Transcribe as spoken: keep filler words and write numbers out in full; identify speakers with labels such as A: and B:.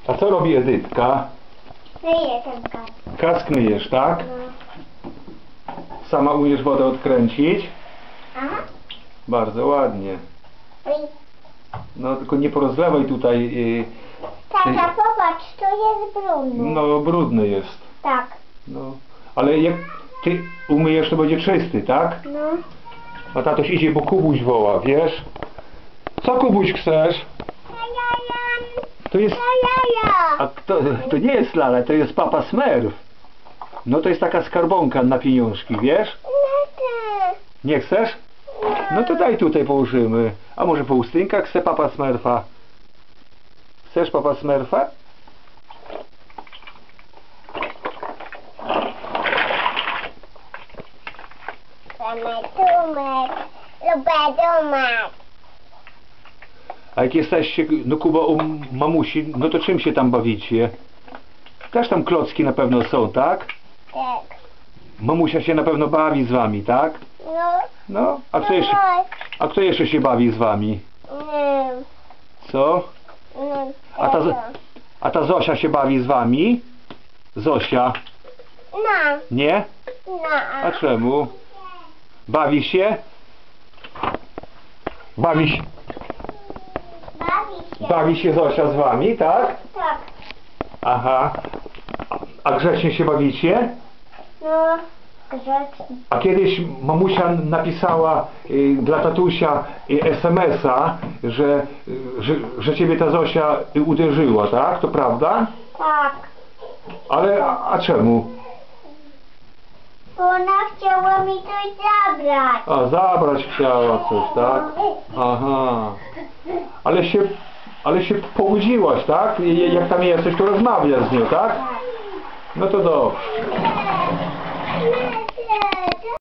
A: A co robi Edytka?
B: Myję ten kask.
A: Kask myjesz, tak?
B: No.
A: Sama umiesz wodę odkręcić?
B: Aha.
A: Bardzo ładnie.
B: Oj.
A: No tylko nie porozlewaj tutaj. Yy,
B: Tata, popatrz, to jest brudno.
A: no brudny jest.
B: Tak.
A: No. Ale jak ty umyjesz, to będzie czysty, tak?
B: No.
A: A tatoś idzie, bo Kubuś woła, wiesz? Co Kubuś chcesz?
B: Ja, ja, ja.
A: To jest...
B: Ja, ja, ja.
A: A to, to nie jest Lala, to jest Papa Smurf. No to jest taka skarbonka na pieniążki, wiesz?
B: No ty.
A: Nie chcesz? No to daj tutaj położymy. A może po ustynkach chce Papa Smurfa? Chcesz Papa Smurfa?
B: Chcemy tumek. Lubię tumek.
A: A jak jesteście, no Kuba, u mamusi, no to czym się tam bawicie? Też tam klocki na pewno są, tak?
B: Tak.
A: Mamusia się na pewno bawi z wami, tak?
B: No.
A: No, a kto jeszcze, a kto jeszcze się bawi z wami?
B: No.
A: Co?
B: No.
A: A ta, a ta Zosia się bawi z wami? Zosia,
B: No.
A: nie?
B: No.
A: A czemu? Bawi się? Bawi się,
B: Bawi się.
A: bawi się Zosia z wami, tak?
B: Tak.
A: Aha. A grzecznie się bawicie?
B: No. Grzecznie.
A: A kiedyś mamusia napisała y, dla tatusia y, es em es a, że, y, że, że ciebie ta Zosia y, uderzyła, tak? To prawda?
B: Tak.
A: Ale a, a czemu?
B: Bo ona chciała mi coś zabrać.
A: A, zabrać chciała coś, tak? Aha. Ale się, ale się pobudziłaś, tak? I- Jak tam jesteś, to rozmawiasz z nią, tak? No to dobrze.